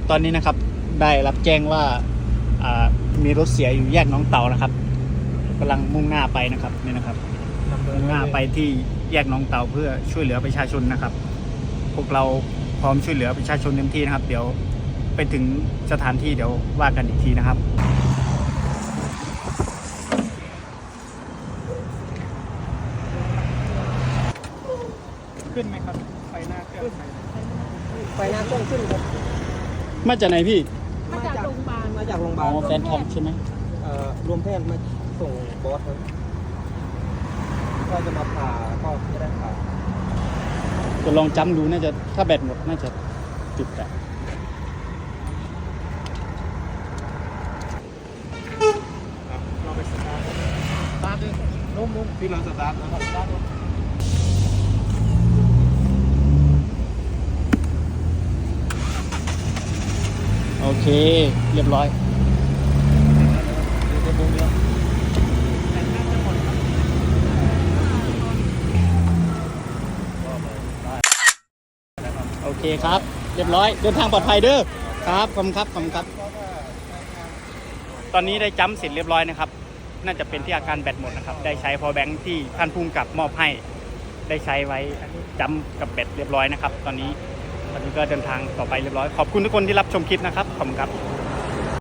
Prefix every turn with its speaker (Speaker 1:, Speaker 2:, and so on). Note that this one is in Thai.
Speaker 1: ตอนนี้นะครับได้รับแจ้งว่ามีรถเสียอยู่แยกน้องเต่านะครับกำลังมุ่งหน้าไปนะครับนี่นะครับมุ่งหน้าไปที่แยกน้องเต่าเพื่อช่วยเหลือประชาชนนะครับพวกเราพร้อมช่วยเหลือประชาชนเต็มที่นะครับเดี๋ยวไปถึงสถานที่เดี๋ยวว่ากันอีกทีนะครับขึ้นไหมครับไฟหน้าเครื่อง
Speaker 2: ไฟหน้าเครื่องขึ้นครับ
Speaker 1: มาจากไหนพี่
Speaker 3: มาจากโรงพยาบาล
Speaker 2: มาจากโรงพยาบา
Speaker 1: อ๋
Speaker 2: ล
Speaker 1: อแฟนทอมใช่ไหม
Speaker 2: รวมแพทย์มาส่งบอสครับก็จะมาผ่าก็จะได้ผ่า
Speaker 1: จะลองจำดูน่าจะถ้าแบตหมดน่าจะจุดอะ
Speaker 2: เราไปสตาร์ทเลยนุ่มพี่ลองสตาร์ทนะครับ
Speaker 1: โอเคเรียบร้อยโอเคครับเรียบร้อยเดินทางปลอดภัยเด้อครับขอบคุณครับขอบคุณครับตอนนี้ได้จัมป์เสร็จเรียบร้อยนะครับน่าจะเป็นที่อาการแบตหมดนะครับได้ใช้พอแบงค์ที่ท่านภูมิกับมอบให้ได้ใช้ไว้จัมป์กับแบตเรียบร้อยนะครับตอนนี้ก็เดินทางต่อไปเรียบร้อยขอบคุณทุกคนที่รับชมคลิปนะครับขอบคุณครับ